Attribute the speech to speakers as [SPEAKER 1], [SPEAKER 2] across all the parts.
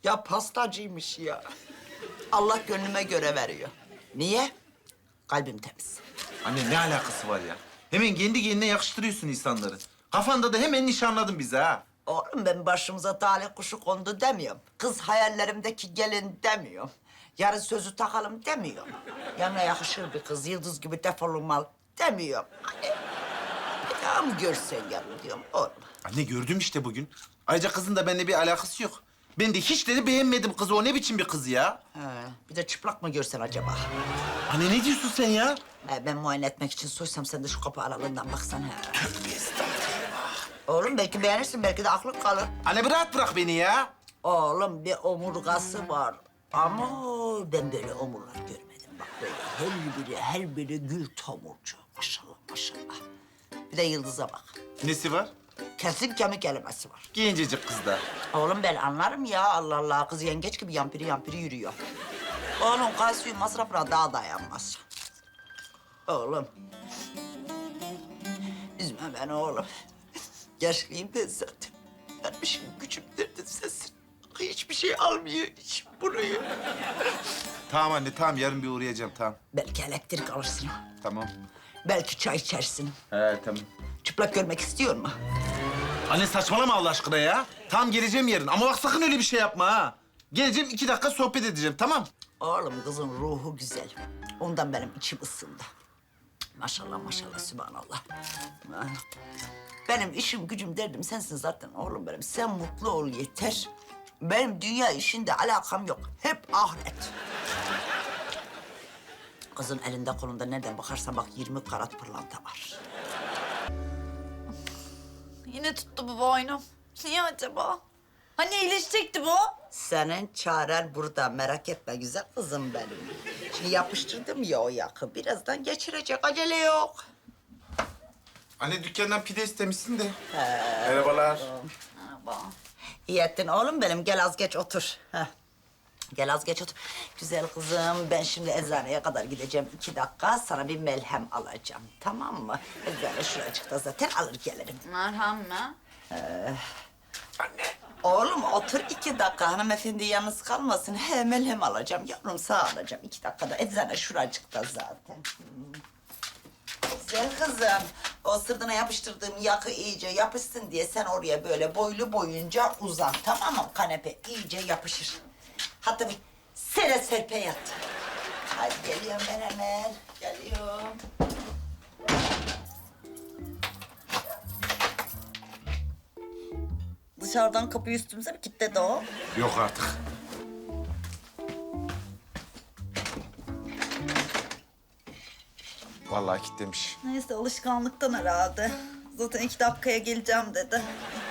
[SPEAKER 1] Ya pastacıymış ya. Allah gönlüme göre veriyor. Niye? Kalbim temiz.
[SPEAKER 2] Anne ne alakası var ya? Hemen kendi kendine yakıştırıyorsun insanları. Kafanda da hemen nişanladın bizi ha.
[SPEAKER 1] Oğlum ben başımıza talih kuşu kondu demiyorum. Kız hayallerimdeki gelin demiyorum. Yarın sözü takalım demiyorum. Yanına yakışır bir kız, yıldız gibi defolunmalı demiyorum. Hani bir daha mı görsen yarın diyorum oğlum.
[SPEAKER 2] Anne gördüm işte bugün. Ayrıca kızın da benimle bir alakası yok. Ben de hiç de beğenmedim kızı. O ne biçim bir kız ya?
[SPEAKER 1] He, bir de çıplak mı görsen acaba?
[SPEAKER 2] Anne ne diyorsun sen ya?
[SPEAKER 1] Ben muayene etmek için soysam sen de şu kapı aralığından baksan. He. Oğlum belki beğenirsin, belki de aklın kalır.
[SPEAKER 2] Anne bir rahat bırak beni ya.
[SPEAKER 1] Oğlum bir omurgası var. Ama ben böyle omurlar görmedim. Bak böyle her biri gül tomurcu. Maşallah maşallah. Bir de yıldıza bak.
[SPEAKER 2] Nesi var?
[SPEAKER 1] Kesin kemik kelimesi var.
[SPEAKER 2] Gencecik kız da.
[SPEAKER 1] Oğlum ben anlarım ya Allah Allah. Kız yengeç gibi yampiri yürüyor. Oğlum kalsiyum masrafına daha dayanmaz. Oğlum. Üzme beni oğlum. Yaşlıyım ben zaten. Benim işim gücüm derdim sensin. Hiçbir şey almıyor hiç burayı.
[SPEAKER 2] Tamam anne tamam yarın bir uğrayacağım tamam.
[SPEAKER 1] Belki elektrik alırsın.
[SPEAKER 2] Tamam.
[SPEAKER 1] Belki çay içersin.
[SPEAKER 2] He tamam.
[SPEAKER 1] Çıplak görmek istiyor mu?
[SPEAKER 2] Anne saçmalama Allah aşkına ya. Tamam geleceğim yarın ama bak sakın öyle bir şey yapma ha. Geleceğim 2 dakika sohbet edeceğim tamam.
[SPEAKER 1] Oğlum kızın ruhu güzel. Ondan benim içim ısındı. Maşallah maşallah sübhanallah. Benim işim gücüm derdim sensin zaten oğlum benim. Sen mutlu ol yeter. Benim dünya işinde alakam yok. Hep ahiret. Kızın elinde kolunda nereden bakarsan bak 20 karat pırlanta var.
[SPEAKER 3] Yine tuttu bu boynum. Niye acaba? Hani iyileşecekti bu?
[SPEAKER 1] Senin çaren burada merak etme güzel kızım benim. Şimdi yapıştırdım ya o yakı. Birazdan geçirecek acele yok.
[SPEAKER 2] Anne dükkandan pide istemişsin de. Merhabalar.
[SPEAKER 3] Merhaba.
[SPEAKER 1] İyi ettin oğlum benim. Gel az geç otur. Heh. Gel az geç otur. Güzel kızım ben şimdi eczaneye kadar gideceğim. 2 dakika sana bir melhem alacağım. Tamam mı? Eczane şuracıkta zaten alır gelirim.
[SPEAKER 3] Merhem mi?
[SPEAKER 1] Oğlum otur 2 dakika hanımefendi yalnız kalmasın. He melhem alacağım yavrum sağ alacağım. 2 dakikada eczane şuracıkta zaten. Güzel kızım. O sırtına yapıştırdığım yakı iyice yapışsın diye sen oraya böyle boylu boyunca uzan. Tamam mı? Kanepe iyice yapışır. Hatta bir sere serpe yat. Hadi geliyorum ben hemen. Geliyorum. Dışarıdan kapıyı üstümüze mi kilitledi o?
[SPEAKER 2] Yok artık. Vallahi kilitlemiş.
[SPEAKER 3] Neyse alışkanlıktan herhalde. Zaten 2 dakikaya geleceğim dedi.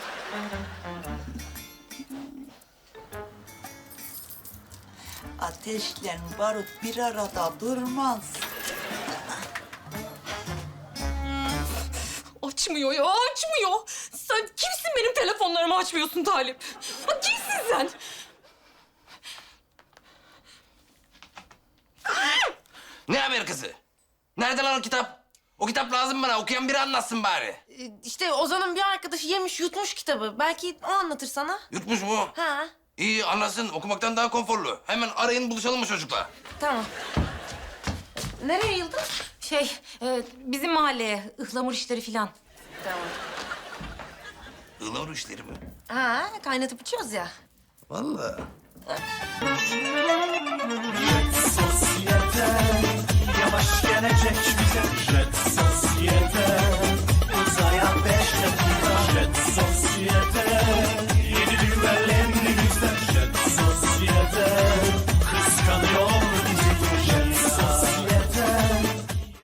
[SPEAKER 1] Ateşle barut bir arada durmaz.
[SPEAKER 4] Açmıyor ya, açmıyor. Sen kimsin benim telefonlarımı açmıyorsun Talip? Ha, kimsin sen?
[SPEAKER 5] Ne haber kızı? Nerede lan o kitap? O kitap lazım bana. Okuyan biri anlatsın bari.
[SPEAKER 4] İşte Ozan'ın bir arkadaşı yemiş, yutmuş kitabı. Belki o anlatır sana.
[SPEAKER 5] Yutmuş mu?
[SPEAKER 4] Ha,
[SPEAKER 5] İyi anlasın. Okumaktan daha konforlu. Hemen arayın buluşalım mı çocukla?
[SPEAKER 4] tamam. Nereye Yıldız? Bizim mahalleye, ıhlamur işleri filan. Tamam.
[SPEAKER 5] Ilavur işleri mi?
[SPEAKER 4] Ha, kaynatıp içiyoruz ya.
[SPEAKER 5] Vallahi.
[SPEAKER 6] Sosyete yavaş gelecek